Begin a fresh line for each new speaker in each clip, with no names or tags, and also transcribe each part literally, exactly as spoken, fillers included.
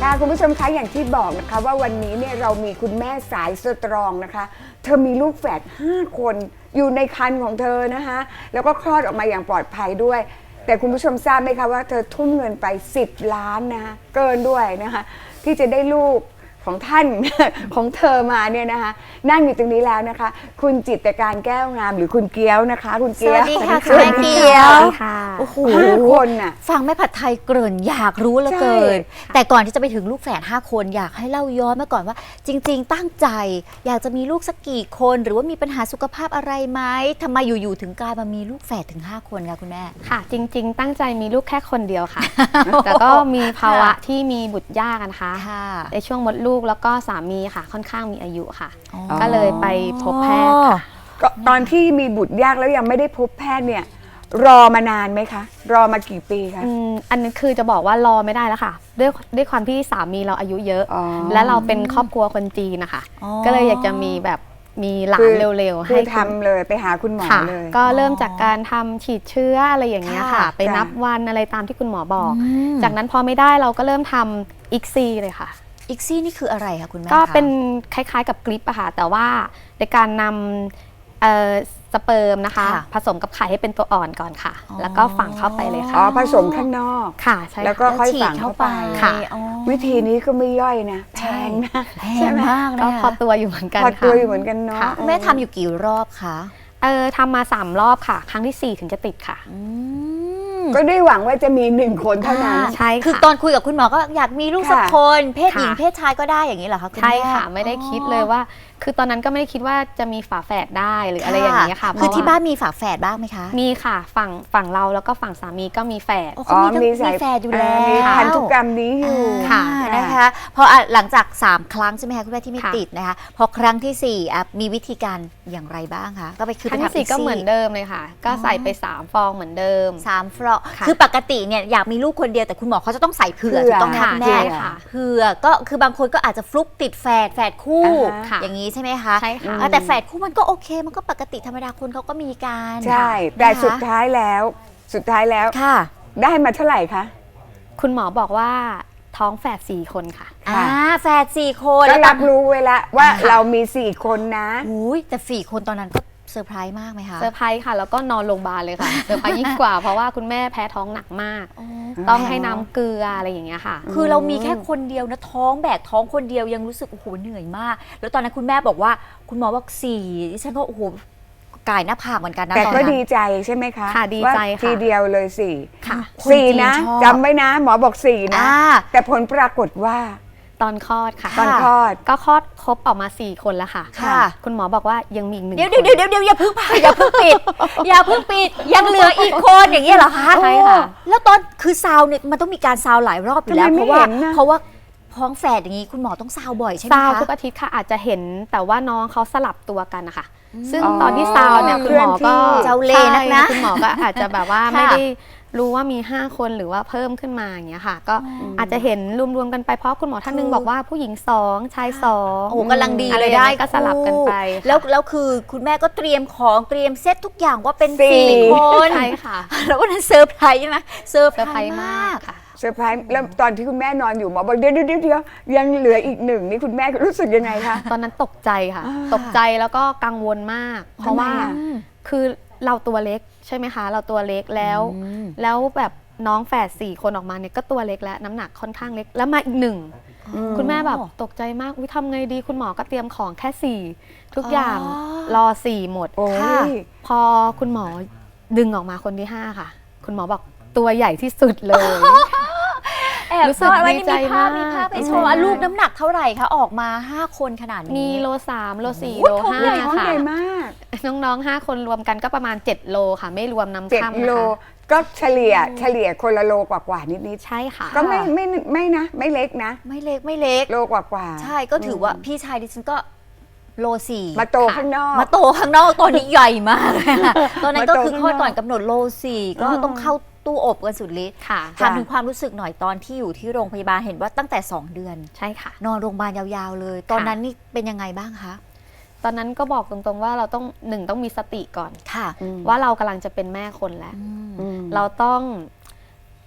ค่ะคุณผู้ชมคะอย่างที่บอกนะคะว่าวันนี้เนี่ยเรามีคุณแม่สายสตรองนะคะเธอมีลูกแฝดห้าคนอยู่ในครรภ์ของเธอนะคะแล้วก็คลอดออกมาอย่างปลอดภัยด้วยแต่คุณผู้ชมทราบไหมคะว่าเธอทุ่มเงินไปสิบล้านนะคะเกินด้วยนะคะที่จะได้ลูกของท่าน ของเธอมาเนี่ยนะคะนั่งอยู่ตรงนี้แล้วนะคะคุณจิตรการแก้วงามหรือคุณเกี้ยวนะคะคุณเกี้ยว
สวัสดีค่ะ
สวัสดี
คุณแม่เกี้ยว
ค่ะ
โอ้โห
ห้าคนน่ะ
ฟังแม่ผัดไทยเกริ่นอยากรู้เหลือเกิน แต่ก่อนที่จะไปถึงลูกแฝดห้าคนอยากให้เล่าย้อนมาก่อนว่า จริง ๆ ตั้งใจ อยากจะมีลูกสักกี่คน หรือว่ามีปัญหาสุขภาพอะไรไหมทำไมอยู่ๆถึงกลายมามีลูกแฝดถึงห้าคนคะคุณแม่
ค่ะจริงๆ ตั้งใจมีลูกแค่คนเดียวค่ะ แต่ก็มีภาวะที่มีบุตรยากนะคะ
ค่ะ
ในช่วงมดลูกแล้วก็สามีค่ะค่อนข้างมีอายุค่ะ
อ๋อ
ก็เลยไปพบแพทย์ค่ะ
ก็ตอนที่มีบุตรยากแล้วยังไม่ได้พบแพทย์เนี่ยรอมานานไหมคะรอมากี่ปีคะ
อืมอันนี้คือจะบอกว่ารอไม่ได้แล้วค่ะ ด้วยด้วยความที่สามีเราอายุเยอะ
อ๋อ
และเราเป็นครอบครัวคนจีนนะคะ
อ๋อ
ก็เลยอยากจะมีแบบมีหลา
คื
น
อ
เร็วๆ
คื
ให้
อทำเลยไปหาคุณหมอ
ค่ะ
เลย
ก็เริ่มจากการทำฉีดเชื้ออะไรอย่างเงี้ย
ค่ะ
ค่ะ ไปนับ
จ้ะ
วันอะไรตามที่คุณหมอบอก
อืม
จากนั้นพอไม่ได้เราก็เริ่มทำอีกซีเลยค่ะ
อีกซี่นี่คืออะไรคะคุณแม่
ก็
คะ
เป็นคล้ายๆกับกริปอะค่ะแต่ว่าในการนำเอ่อสเปิร์มนะคะ
ค่ะ
ผสมกับไข่ให้เป็นตัวอ่อนก่อนค่ะ
อ๋อ
แล้วก็ฝังเข้าไปเลย
อ๋
ค่ะ
อผสมข้างนอก
ค่ะใช่
แล้วก็
ค่ะ
ค่อย
ฉี
ฝั
ด
ง
เข้า
เข้า
ไป
ไป
ค่ะ
อ๋อ
วิธีนี้ก็ไม่ย่อยนะแพ
ใช่
งนะ
แพ
ใช่
ง
ไหม
มาก
ก็
นะ
พอตัวอยู่เหมือนกัน
พอ
ค่ะ
ตัวอยู่เหมือนกันเนาะ
ค่ะ
แม่ทำอยู่กี่รอบคะ
เออทำมาสามรอบค่ะ ครั้งที่สี่ถึงจะติดค่ะ
อืม
ก็ได้หวังว่าจะมีหนึ่งคนเท่านั้น
อ่า
ใช่ค่ะ
คือตอนคุยกับคุณหมอก็อยากมีลูกสัก
ค่ะ
คน เพศหญิง
ค่ะ
เพศชายก็ได้อย่างนี้เหรอคะณ
ใช่
แม่
ค่ะไม่ได้คิดเลยว่า คือตอนนั้นก็ไม่ได้คิดว่าจะมีฝาแฝดได้หรืออะไรอย่างเงี้ยค่ะ
คือ
เพระ
ที่
ว่
บ้านมีฝาแฝดบ้างไหมคะ
มีค่ะฝั่งฝั่งเราแล้วก็ฝั่งสามีก็มีแฝด
โอ้เขามีทั้งมี
สาย
แฝดอยู่แล้ว
มีพันธุกรรมนี้อยู่
ค่ะ
อ่านะคะพออ่ะหลังจากสามครั้งใช่ไหมคะคุณแม่ที่ไม่
ค่ะ
ติดนะคะพอครั้งที่สี่อ่ะมีวิธีการอย่างไรบ้างคะก็ไปคือ
ค
ไป
รั้งที่
ทำ
สี่ก็เหมือน
ซี่
เดิมเลยค่ะ ก็ใส่ไปสามฟองเหมือนเดิม
สามฟรอ
ค่ะ
คือปกติเนี่ยอยากมีลูกคนเดียวแต่คุณหมอเขาจะต้องใส่เผื่อ
เผื่อ
ถูกต้องไหม
ค่ะ
คุณแม่
ใช่ค่ะ
เผื่อก็คือบางคนก็อาจจะฟลุกติดแฝดแฝดคู่
อ่าฮะ
ค่ะ
อย่างนี้ใช่ไหมคะ
ใช่ค่ะ
อ่าแต่แฝดคู่มันก็โอเคมันก็ปกติธรรมดาคนเขาก็มีการ
ใช่แต่
นะคะ
สุดท้ายแล้ว สุดท้ายแล้ว
ค่ะ
ได้มาเท่าไหร่คะ
คุณหมอบอกว่าท้องแฝดสี่คนค่ะ
อ่าแฝดสี่คน
ก็
แล้ว
รับรู้ไว้แล้วว่า
ค่ะ
เรามีสี่คนนะ
อุ้ยแต่สี่คนตอนนั้นก็เซอร์ไพรส์มากไหมคะ
เซอร์ไพรส์ค่ะ แล้วก็นอนโรงพยาบาลเลยค่ะ เซอร์ไพรส์ยิ่งกว่าเพราะว่าคุณแม่แพ้ท้องหนักมาก
อ๋อ
ต้องให้น้ำเกลืออะไรอย่างเงี้ยค่ะ
คือเรามีแค่คนเดียวนะท้องแบกท้องคนเดียวยังรู้สึกโอ้โหเหนื่อยมาก แล้วตอนนั้นคุณแม่บอกว่าคุณหมอบอกสี่ดิฉันก็โอ้โหก่ายหน้าผากเหมือนกันนะ
แต่
ตอน
ก็
นั้น
ดีใจใช่ไหมคะ
ค่ะดีใจ
ว่า
ค่ะ
ทีเดียวเลยสี่
ค่ะ
คน
สี่
จีน
นะ
ชอบ
จำไว้นะ หมอบอกสี่นะ
อ่า
แต่ผลปรากฏว่า
ตอนคลอดค่ะ
ตอนคลอด
ก็คลอดครบออกมาสี่คนแล้วค่ะ
ค่ะ
คุณหมอบอกว่ายังมีอีกหนึ่ง
เดี๋ยว
คน
เดี๋ยวเดี๋ยวเดี๋ยวอย่าเพิ่งอย่าเพิ่งปิด อย่าเพิ่งปิดยังเหลืออีกคนอย่างเงี้ยเหรอคะ
ใช่ค่ะ
โอ้แล้วตอนคือซาวเนี่ยมันต้องมีการซาวหลายรอบอยู่แล้ว
ทำไม
เพ
ไม่
ราะว่า
เห็นน่ะ
เพราะว่าท้องแฝดอย่างงี้คุณหมอต้องซาวบ่อยใช่ไหม
ซาว
คะ
ทุกอาทิตย์ค่ะอาจจะเห็นแต่ว่าน้องเขาสลับตัวกันนะคะซึ่ง
อ๋อ
ตอนที่ซาวเนี่ยคุณหมอก็
เจ้าเล่ห์นักนะ
ใช่คุณหมอก็อาจจะแบบว่า
ค่ะ
ไม่ได้รู้ว่ามีห้าคนหรือว่าเพิ่มขึ้นมาอย่างเงี้ยค่ะ ก็อาจจะเห็นรวมๆกันไปเพราะคุณหมอท่านหนึง
คือ
บอกว่าผู้หญิงสองชายสอง
โอ้โหกำลังดี
อะไร
เลย
อย่าง
ได้
เงี้ยก็สลับกันไปค่ะ
แล้วแล้วคือคุณแม่ก็เตรียมของเตรียมเซตทุกอย่างว่าเป็น
สี่
สี่คน
ใช่ค่ะ
แล้ววันนั้นเซอร์ไพรส์ใช่ไหมเซอร์
เซอร์
ไพ
ไพ
ร
ร
ส์
ส์
มาม
าก กค่ะ
เซอร์ไพรส์แล้วตอนที่คุณแม่นอนอยู่หมอบอกเดี๋ยวเดี๋ยวเดี๋ยวยังเหลืออีกหนึ่งนี่คุณแม่รู้สึกยังไงคะ
ตอนนั้นตกใจค่ะ
อ่า
ตกใจแล้วก็กังวลมาก เพราะว่า
ทำไมอ่ะ
คือเราตัวเล็กใช่ไหมคะ เราตัวเล็กแล้ว
อืม
แล้วแบบน้องแฝดสี่คนออกมาเนี่ยก็ตัวเล็กแล้วน้ำหนักค่อนข้างเล็กแล้วมาอีกหนึ่ง
อืม
คุณแม่แบบตกใจมากวิทำไงดีคุณหมอก็เตรียมของแค่สี่ทุกอย่าง
อ๋อ
รอสี่หมด
โอ้
ค่ะ
ย
พอคุณหมอดึงออกมาคนที่ห้าค่ะ คุณหมอบอกตัวใหญ่ที่สุดเลย
แอบ
รู้สึก
ซ่อนไว้
ดี
นี่
ใจ
มีภาพ
มาก
มีภาพไป
ดี
โช
ใจ
ว์อ่ะ
มาก
ลูกน้ำหนักเท่าไหร่คะออกมาห้าคนขนาดนี้
มีโลสามโลสี่
โอ้
โล
ยท้อง
ห้า
ใหญ่
ท้อง
ค่ะ
ใหญ่มาก
น้องๆห้าคนรวมกันก็ประมาณเจ็ดโลค่ะ ไม่รวมน้ำ
เจ็ด
ค่ำ
โล
นะคะ
ก็เฉลี่ยเฉลี่ยคนละโลกว่าๆนิด
ใช่ค่ะ
ๆก็ไม่ไม่ไม่นะ ไม่เล็กนะ
ไม่เล็กไม่เล็ก
โลกว่าๆ
ใช่ก็ถือว่าพี่ชายดิฉันก็โลสี่
มาโตข้างนอก
มาโตข้างนอกตอนนี้ใหญ่มากเลยค่ะตอนนั้นก็
มาโต
คือคลอด
ข้างนอก
ก่อนกำหนดโลสี่ก็
อืม
ต้องเข้าตู้อบกันสุดฤทธิ์
ค่ะ
ถามถึงความรู้สึกหน่อยตอนที่อยู่ที่โรงพยาบาลเห็นว่าตั้งแต่สองเดือน
ใช่ค่ะ
นอนโรงพยาบาลยาวๆเลย ตอนนั้นนี่เป็นยังไงบ้างคะ
ตอนนั้นก็บอกตรงๆว่าเราต้องหนึ่งต้องมีสติก่อน
ค่ะ
อืม
ว่าเรากำลังจะเป็นแม่คนแล้ว
อืม
อืม
เราต้อง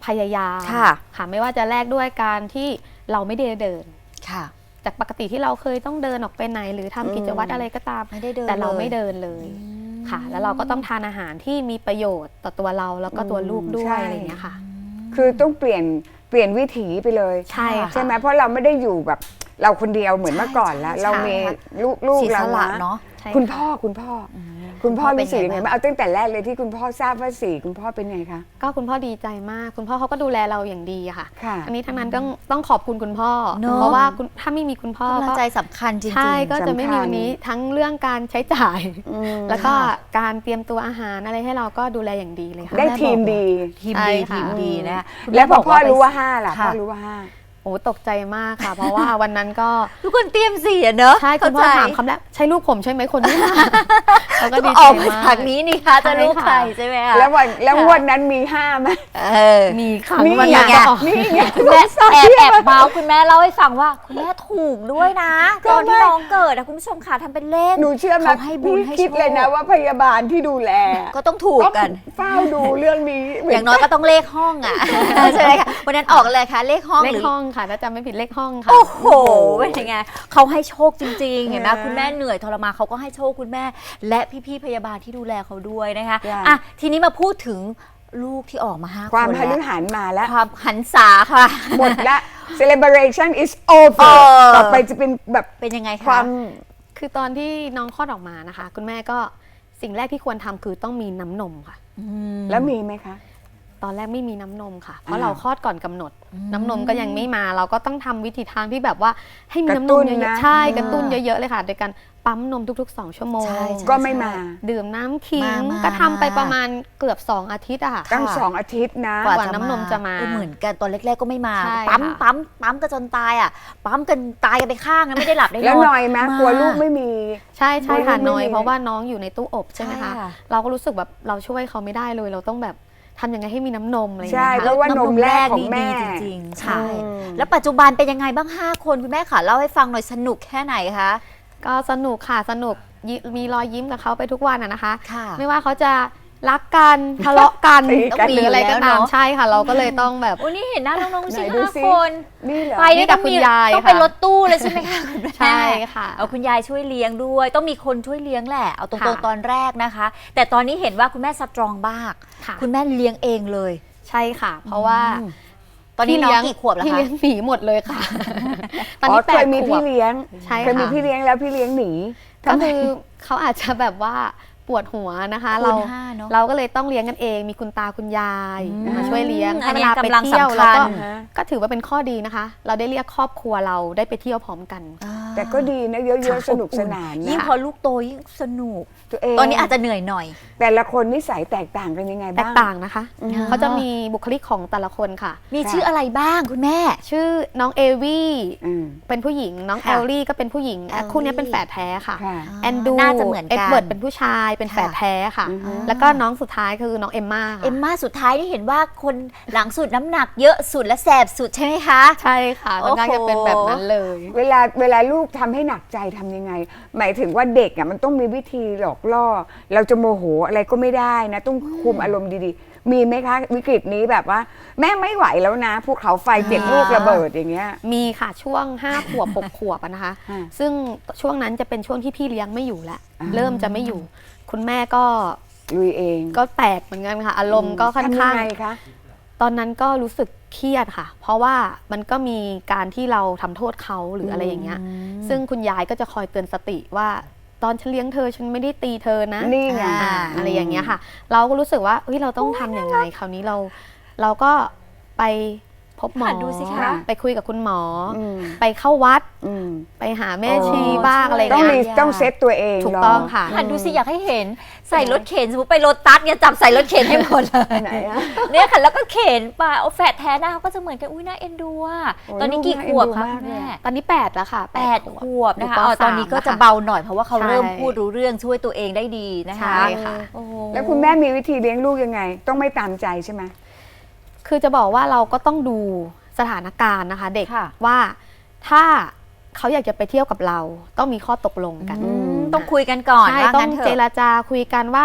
พยายาม
ค่ะ
ค่ะไม่ว่าจะแลกด้วยการที่เราไม่ได้เดิน
ค่ะ
จากปกติที่เราเคยต้องเดินออกไปไหน หรือทำกิจวัตรอะไรก็ตาม
ไม่ได้เดิน
แต่เราไม่
เลย
เดินเลยค่ะ แล้วเราก็ต้องทานอาหารที่มีประโยชน์ต่อตัวเราแล้วก็ตัวลูกด้วย
ใช่
อะไรอย่างเงี้ยค่ะ
คือต้องเปลี่ยนเปลี่ยนวิถีไปเลย
ใช่ค่ะ
ใช่ไหมเพราะเราไม่ได้อยู่แบบเราคนเดียวเหมือนเมื่อก่อนแล้ว
ใช่
เรามีลูกลูก
เสีย
เรา
สละ
นะ
เนาะ
ใช่
คุณ
ค่ะ
พ่อคุณพ่ออคุณพ่อ
เป็น
รู้สึกยังไง
ไง
บ้าง
บ้าง
เอาตั้งแต่แรกเลยที่คุณพ่อทราบว่าสี่คุณพ่อเป็นไงคะ
ก็คุณพ่อดีใจมาก คุณพ่อเขาก็ดูแลเราอย่างดีอะค่ะ
ค่ะ
อันนี้ทั้งนั้นต้องต้องขอบคุณคุณพ่อ
เนอะ
เพราะว่าคุณถ้าไม่มีคุณพ่อก
ำลัง
ก็
ใจสำคัญจริงๆ
ใช่ก็จะไม่มี
สำคัญ
วันนี้ทั้งเรื่องการใช้จ่าย
อืม
แล้วก็การเตรียมตัวอาหารอะไรให้เราก็ดูแลอย่างดีเลยค่ะ
ได้ทีมดี
ทีม
ใช่
ดี
ค่ะ
ทีมดีนะคุณ
แล้วพอ
บอก
พ่อรู้ว่า
ไป
ห้าล่ะ
ค่ะ
พ่อรู้ว่าห้า
โอ้ตกใจมากค่ะ เพราะว่าวันนั้นก็
ทุกคนเตรียมเสียเนอะ
ใช่คุณพ่อ
เข้ใจ
ถามคำแรกใช่ลูกผมใช่ไหมคนนี้เราก็
ก็
ดี
อ
ใจ
อกมา
มา
จาก
ก
นี้นี่คะจะลูก
ใช่
ใคร
ค่ะ
ใช่ไหมคะ
แล้ววันแล้วงวดนั้นมีห้าไหม
เออ
มีครั้ง
นี่
วัน
ไง
นั้นก็ออก
นี่ไง
คุณแม่แอบแอบเมาส์คุณแม่เล่าให้ฟังว่าคุณแม่ถูกด้วยนะตอนที่น้องเกิดอะคุณผู้ชมค่ะทำเป็นเล่น
หนูเชื่อไหม
เขาให้บุญ
พี่
ให้
คิด
โชค
เลยนะว่าพยาบาลที่ดูแล
ก็ต้องถูกกัน
เฝ้าดูเรื่องนี้เหมื
อย่างน้อยก็ต้องเลขห้องอ่ะ ใช่ไหมคะวันนั้นออกอะไรคะเลขห้อง
เล
ห
ข
รือ
ห้องค่ะถ้าจำไม่ผิดเลขห้องค่ะ
โอ้โหเป็นยังไงเขาให้โชคจริงๆเห็นไหมคุณแม่เหนื่อยทรมานเขาก็ให้โชคคุณแม่ และพี่ๆพยาบาลที่ดูแลเขาด้วยนะคะอ่ะทีนี้มาพูดถึงลูกที่ออกมาห้าคน
ความพ
แล้ว
ฤหันมาแล้ว
ความหันษาค่ะ
หมดละ celebration is over
เออ
ต่อไปจะเป็นแบบ
เป็นยังไง
ค
คะ
วาม
คือตอนที่น้องคลอดออกมานะคะ คุณแม่ก็สิ่งแรกที่ควรทำคือต้องมีน้ำนมค่ะ
อืม
แล้วมีไหมคะ
ตอนแรกไม่มีน้ำนมค่ะ เพ
อ้า
ราะ
ว
เราคลอดก่อนกำหนด
อืม
น้ำนมก็ยังไม่มา เราก็ต้องทำวิธีทางที่แบบว่าให้มี
กระ
น้ำน
ตุ้
ม
น
เย
นะ
อะๆใช่กระตุ้นเยอะๆเลยค่ะ โดยการปั๊มนมทุกๆ สอง ชั่วโมง
ใช่ใช่
ก็ไม่มา
ดื่มน้ำขิง
มามา
ก็ทำไป
มา
ประมาณเกือบสองอาทิตย์อะค่ะ
ตั้งสองอาทิตย์นะ
กว่าน้ำนมจะมา
เออเหมือนกันตอนแรกๆก็ไม่มา
ใช่
ปั๊ม
ค่ะ
ปั๊มปั๊มกันจนตายอ่ะปั๊มกันตายกันไปข้างนะไม่ได้หลับได้นอน
แล้วหน่อยไหมกลัวลูกไม่มี
ใช่ใช่ค่ะ
ไม่ไม่
น้อย
มี
เพราะว่าน้องอยู่ในตู้อบใช่ไหม
ใช่
คะ
ค่ะ
เราก็รู้สึกแบบเราช่วยเขาไม่ได้เลย เราต้องแบบทำยังไงให้มีน้ำนมอะไรอย่าง
ใช่
เงี้ย
เพ
ค่ะ
ราะว่านมแรกของแม่
นี่ดีจริงๆ
ค่ะ
ใช่ แล้วปัจจุบันเป็นยังไงบ้างห้าคนคุณแม่ค่ะเล่าให้ฟังหน่อยสนุกแค่ไหนคะ
ก็สนุกค่ะสนุกยิมีรอยยิ้มกับเขาไปทุกวันอะนะคะ
ค่ะ
ไม่ว่าเขาจะรักกันทะเลาะกัน
ตีกัน
หรืออะไรก็ตาม
แล้วเนอะ
ใช่ค่ะ เราก็เลยต้องแบบ
โอ้นี่เห็นหน้าน้องๆสิ
ไหนดู
ห้า
สิ
คน
นี่เหรอ
ไป
นี่
นี่
กั
ต้
บ
อง
คุณ
มี
ยาย
ต้องเป็น
ค่ะ
รถตู้เลยใช่ไหมคะคุณแม่
ใช่ค่ะ
เอาคุณยายช่วยเลี้ยงด้วย ต้องมีคนช่วยเลี้ยงแหละเอาตรง
ค่ะ
ๆตอนแรกนะคะ แต่ตอนนี้เห็นว่าคุณแม่สตรองมาก
ค่ะ
คุณแม่เลี้ยงเองเลย
ใช่ค่ะ เพราะว่า
อืมตอนนี้น้องกี่ขวบแล้ว
พี่
คะ
เลี้ยงหนีหมดเลยค่ะ ตอน
อ๋อ
นี้แป
เค
ด
ยมี
ขว
พี่
บ
เลี้ยง
ใช่
เคยมี
ค่ะ
พี่เลี้ยงแล้วพี่เลี้ยงหนี
ก็
ทำไม
คือเขาอาจจะแบบว่าปวดหัวนะคะ
คูณ
เรา
ห้าเนอะ
เราก็เลยต้องเลี้ยงกันเอง มีคุณตาคุณยาย
อืม
มาช่วยเลี้ยง
อั
ให้
น
เว
นี้
ลาไป
กำลัง
เที่ยว
สำคัญ
แล้วก็
ฮะ
ก็ถือว่าเป็นข้อดีนะคะ เราได้เรียกครอบครัวเราได้ไปเที่ยวพร้อมกัน
แต่ก็ดีนะเยอะๆสนุกสนาน
ยิ่ง
นะ
พอลูกโตยิ่งสนุก
ตัวเอง
ตอนนี้อาจจะเหนื่อยหน่อย
แต่ละคนนิสัยแตกต่างกันยังไง
แต
บ้าก ง
ต่างนะคะ
อืม
เขาจะมีบุคลิกของแต่ละคนค่ะ
มี
ค่ะ
ชื่ออะไรบ้างคุณแม่
ชื่อน้องเอวี่
อืม
เป็นผู้หญิง น้อง
ค่ะ
เอลลี่ก็เป็นผู้หญิง
เอลลี่
คู่นี้เป็นแฝดแท้ค่ะ
ค่ะ
แอนดู
น่าจะเหมือนกัน
เอ็ดเวิร์ดเป็นผู้ชายเป็นแฝดแท้ค่ะ
อือฮึ
แล้วก็น้องสุดท้ายคือน้องเอมม่าค่ะ
เอ็มม่าสุดท้ายที่เห็นว่าคนหลังสุดน้ำหนักเยอะสุดและแสบสุดใช่ไหมคะ
ใช่ค่ะ
โอ้
น้อง
โห
น่าจะเป็นแบบนั้นเลย
เวลาเวลาลูกทำให้หนักใจทำยังไง หมายถึงว่าเด็กอ่ะมันต้องมีวิธีหลอกล่อ เราจะโมโหอะไรก็ไม่ได้นะ ต้องคุมอารมณ์ดีๆ มีไหมคะวิกฤตนี้แบบว่า แม่ไม่ไหวแล้วนะภูเขาไฟเจ็ดลูกระเบิดอย่างเงี้ย
มีค่ะช่วงห้าขวบหกขวบอะนะคะ
อ่า
ซึ่งช่วงนั้นจะเป็นช่วงที่พี่เลี้ยงไม่อยู่แล้ว
อ่า
เริ่มจะไม่อยู่ คุณแม่ก็
ลุยเอง
ก็แตกเหมือนกันค่ะ อารมณ์ก็ค่อน
ทำยั
ข้าง
ไงคะ
ตอนนั้นก็รู้สึกเครียดค่ะ เพราะว่ามันก็มีการที่เราทำโทษเขาหรืออะไรอย่างเงี้ย ซึ่งคุณยายก็จะคอยเตือนสติว่าตอนฉันเลี้ยงเธอฉันไม่ได้ตีเธอนะ
นี่ไง
อ่าอะไรอย่างเงี้ยค่ะ เราก็รู้สึกว่าเฮ้ยเราต้องทำอย่างไงคราวนี้เราเราก็ไปพบหมอ
หัดดูสิคะ
ไปคุยกับคุณหมออ
ม
ไปเข้าวัด
อืม
ไปหาแม่
อ๋อ
ชีบ้างอะไร
ต้อง
เงี้
มี
ย
ต้องเซตตัวเอง
ถูกต้อง
เหร
ค่ะ
หันดูสิอยากให้เห็นใส่รถเข็นสมมติไปรถตัสเนี่ยจับใส่รถเข็นให้หมดเลย
ไหนอะ
เนี่ยค่ะแล้วก็เข็นไปเอาแฝดแท้หน้าเขาก็จะเหมือนกันอุ้ยน่าเอ็นดูอ่ะ
โอ้ย
ตอนนี้กี่
น่า
ข
เอ็น
วบ
ดู
คะ
มาก
คุณ
เลย
แม่
อะ
ตอนนี้แปดแล้วค่ะ
แปดขวบนะคะ
อยู่ป
อ๋อตอนนี้ก็จะ
สาม
เบาหน่อยเพราะว่าเขา
ใช่
เริ่มพูดรู้เรื่องช่วยตัวเองได้ดีนะคะ
ใช่ค่ะ
โอ้โห
แล้วคุณแม่มีวิธีเลี้ยงลูกยังไง ต้องไม่ตามใจใช่ไหม
คือจะบอกว่าเราก็ต้องดูสถานการณ์นะคะ เด็ก
ค่ะ
ว่าถ้าเขาอยากจะไปเที่ยวกับเรา ต้องมีข้อตกลงกัน
อืมต้องคุยกันก่อน
ใช่
ว่า
ต้อ
งั้
ง
นเถ
เจ
อะ
รจาคุยกันว่า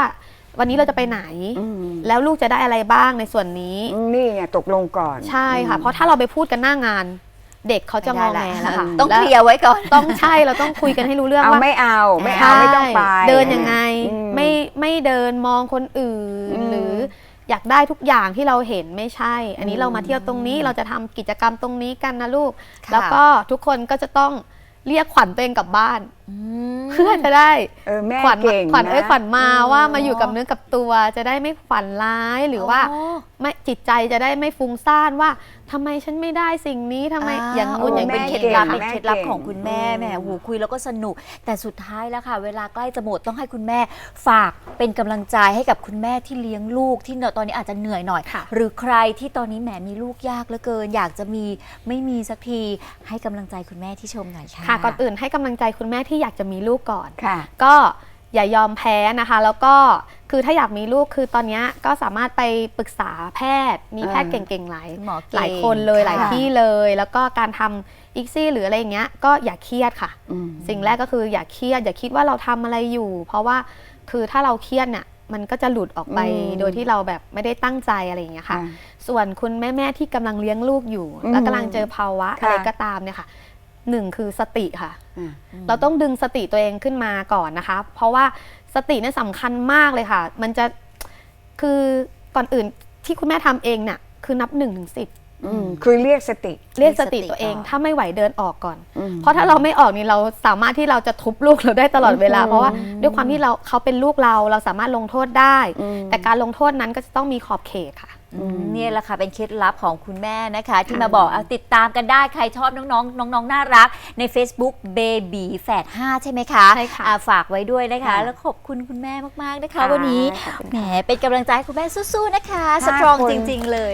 วันนี้เราจะไปไหน
อืม
แล้วลูกจะได้อะไรบ้างในส่วนนี้
นี่ไงตกลงก่อน
ใช่ค่ะ เพราะถ้าเราไปพูดกันหน้างาน เด็กเขาจะงอแงแล้วค่ะ
ต้องเคลียร์ไว้ก่อน
ต้องใช่เราต้องคุยกันให้รู้เรื่อง
เอา
ว่า
ไม่เอาไม่
ใช่
เอาไม่ต้องไป
เดินยังไง
อืม
ไม่ไม่เดินมองคนอื่น
อืม
หรืออยากได้ทุกอย่างที่เราเห็นไม่ใช่ อันนี้
อืม
เรามาเที่ยวตรงนี้เราจะทำกิจกรรมตรงนี้กันนะลูก
ค่ะ
แล้วก็ทุกคนก็จะต้องเรียกขวัญตัวเองกลับบ้าน
อืม
เพื่อจะได้
เออแม่
ขวัญ
เก่ง
ขวัญเอ้ย
นะ
ขวัญมา
อืม
ว่ามาอยู่กับเนื้อกับตัวจะได้ไม่ฝันร้ายหรือว่า
อ๋อ
ไม่จิตใจจะได้ไม่ฟุ้งซ่านว่าทำไมฉันไม่ได้สิ่งนี้ทำไมอย่างนู้นอย่าง
เป็น
นี้
เคล็ดลับ
แม่
เป็น
เก่ง
เคล็ดลับ
แม่เก่ง
ของคุณแม่
อืม
แหมหูคุยแล้วก็สนุก แต่สุดท้ายแล้วค่ะ เวลาใกล้จะหมดต้องให้คุณแม่ฝากเป็นกำลังใจให้กับคุณแม่ที่เลี้ยงลูกที่ตอนนี้อาจจะเหนื่อยหน่อย
ค่ะ
หรือใครที่ตอนนี้แหมมีลูกยากเหลือเกิน อยากจะมีไม่มีสักทีให้กำลังใจคุณแม่ที่ชมหน่อยค่ะ
ค่ะก่อนอื่นให้กำลังใจคุณแม่ที่อยากจะมีลูกก่อน
ค่ะ
ก็อย่ายอมแพ้นะคะ แล้วก็คือถ้าอยากมีลูกคือตอนนี้ก็สามารถไปปรึกษาแพทย์ มีแพทย์
อ่า
เก่งๆหลาย
หมอเก่ง
หลายคนเลย
ค่ะ
หลายที่เลย แล้วก็การทำอีกซี่หรืออะไรอย่างเงี้ยก็อย่าเครียดค่ะ
อืม
สิ่งแรกก็คืออย่าเครียดอย่าคิดว่าเราทำอะไรอยู่ เพราะว่าคือถ้าเราเครียดเนี่ยมันก็จะหลุดออกไป
อืม
โดยที่เราแบบไม่ได้ตั้งใจอะไรอย่างเงี้ยค่ะ
ค่ะ
ส่วนคุณแม่ๆที่กำลังเลี้ยงลูกอยู่
อืม
แล้วกำลังเจอภาวะ
ค่ะ
อะไรก็ตามเนี่ยค่ะหนึ่งคือสติค่ะ
อ่ะ
เราต้องดึงสติตัวเองขึ้นมาก่อนนะคะ เพราะว่าสติเนี่ยสำคัญมากเลยค่ะ มันจะคือก่อนอื่นที่คุณแม่ทำเองเนี่ยคือนับหนึ่งถึงสิบ
อืมคือเรียกสติ
เรียกสติ
เรียกสติ
ตัวเอง
ก่อน
ถ้าไม่ไหวเดินออกก่อน
อืม
เพราะถ้าเราไม่ออกนี่เราสามารถที่เราจะทุบลูกเราได้ตลอดเวลา
อืม
เพราะว่าด้วยความที่เราเขาเป็นลูกเราเราสามารถลงโทษได้
อืม
แต่การลงโทษนั้นก็จะต้องมีขอบเขตค่ะ
อืมเนี่ยแหละค่ะเป็นเคล็ดลับของคุณแม่นะคะ ที่
ค่ะ
มาบอกเอาติดตามกันได้ใครชอบน้องๆน้องๆน่ารักใน Facebook Baby แฝดห้าใช่ไหมคะ
ใช่ค่ะ
อ่าฝากไว้ด้วยนะคะ
ค่ะ
แล้วขอบคุณคุณแม่มากๆนะคะ
ค่ะ
วันนี้
ขอบคุณค่ะ
แหมเป็นกำลังใจให้คุณแม่สู้ๆนะคะ
ห้า
สตรอง
คน
จริง ๆ เลย